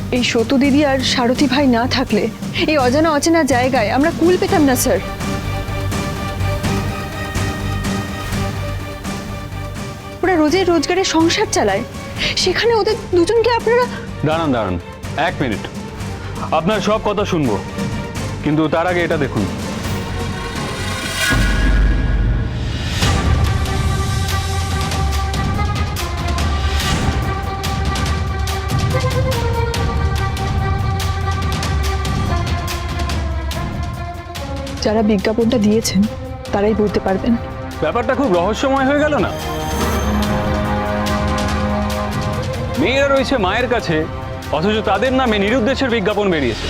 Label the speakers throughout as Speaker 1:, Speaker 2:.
Speaker 1: এই সতু দিদি আর সারথী ভাই না থাকলে এই অজানা অচেনা জায়গায় আমরা কুল পেতাম না স্যার। ওরা রোজের রোজগারে সংসার চালায়, সেখানে ওদের দুজনকে আপনারা।
Speaker 2: দাঁড়ান দাঁড়ান, 1 মিনিট। আপনার সব কথা শুনবো, কিন্তু তার আগে এটা দেখুন।
Speaker 1: যারা বিজ্ঞাপনটা দিয়েছেন তারাই বলতে পারবেন।
Speaker 2: ব্যাপারটা খুব রহস্যময় হয়ে গেল না? মেয়েরা রয়েছে মায়ের কাছে, অথচ তাদের নামে নিরুদ্দেশের বিজ্ঞাপন বেরিয়েছে।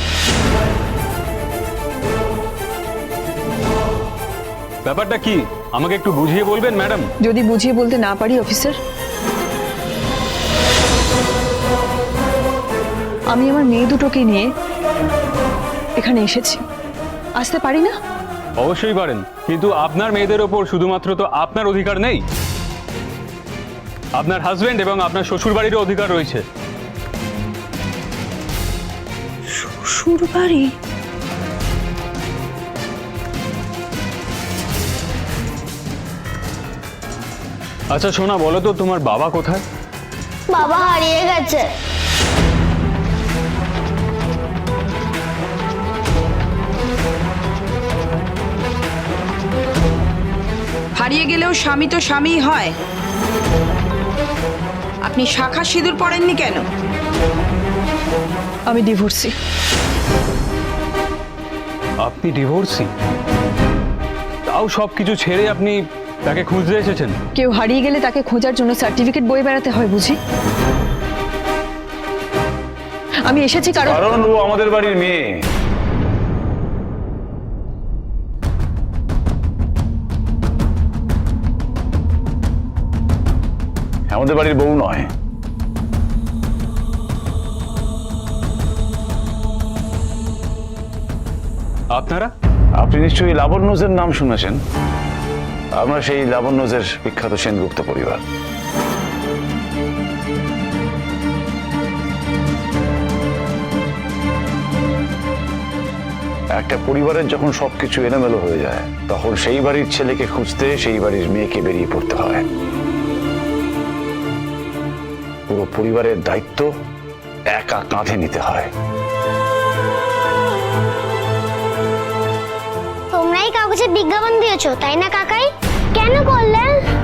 Speaker 2: ব্যাপারটা কি আমাকে একটু বুঝিয়ে বলবেন ম্যাডাম?
Speaker 1: যদি বুঝিয়ে বলতে না পারি অফিসার, আমি আমার মেয়ে দুটোকে নিয়ে এখানে এসেছি, আসতে পারি না?
Speaker 2: অবশ্যই পারেন, কিন্তু আপনার মেয়েদের ওপর শুধুমাত্র তো আপনার অধিকার নেই, আপনার হাজবেন্ড এবং আপনার শ্বশুর বাড়িরও অধিকার রয়েছে।
Speaker 1: শ্বশুর বাড়ি?
Speaker 2: আচ্ছা সোনা, বলো তো তোমার বাবা কোথায়?
Speaker 3: বাবা হারিয়ে গেছে।
Speaker 4: হারিয়ে গেলেও স্বামী তো স্বামীই হয়। আপনি শাখা সিঁদুর পড়েননি কেন?
Speaker 1: আমি ডিভোর্সি।
Speaker 2: আপনি ডিভোর্সি? তাও সবকিছু ছেড়ে আপনি তাকে খুঁজতে এসেছেন?
Speaker 1: কেউ হারিয়ে গেলে তাকে খোঁজার জন্য সার্টিফিকেট বয়ে বেড়াতে হয় বুঝি? আমি এসেছি
Speaker 5: কারণ ও আমাদের বাড়ির মেয়ে। আমাদের বাড়ির বউ নয়।
Speaker 2: আপনারা?
Speaker 5: আপনি নিশ্চয়ই লাবণ্যজের নাম শুনেছেন। আমরা সেই লাবণ্যজের বিখ্যাত সেনগুপ্ত পরিবার। একটা পরিবারের যখন সবকিছু এলোমেলো হয়ে যায়, তখন সেই বাড়ির ছেলেকে খুঁজতে সেই বাড়ির মেয়েকে বেরিয়ে পড়তে হয়। পুরো পরিবারের দায়িত্ব একা কাঁধে নিতে হয়।
Speaker 3: তোমরাই কাগজে বিজ্ঞাপন দিয়েছো তাই না কাকাই? কেন করলে?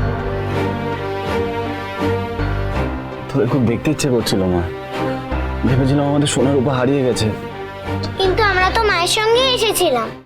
Speaker 6: তোদের খুব দেখতে ইচ্ছে করছিল মা, ভেবেছিলাম আমাদের সোনার রূপা হারিয়ে গেছে।
Speaker 3: কিন্তু আমরা তো মায়ের সঙ্গে এসেছিলাম।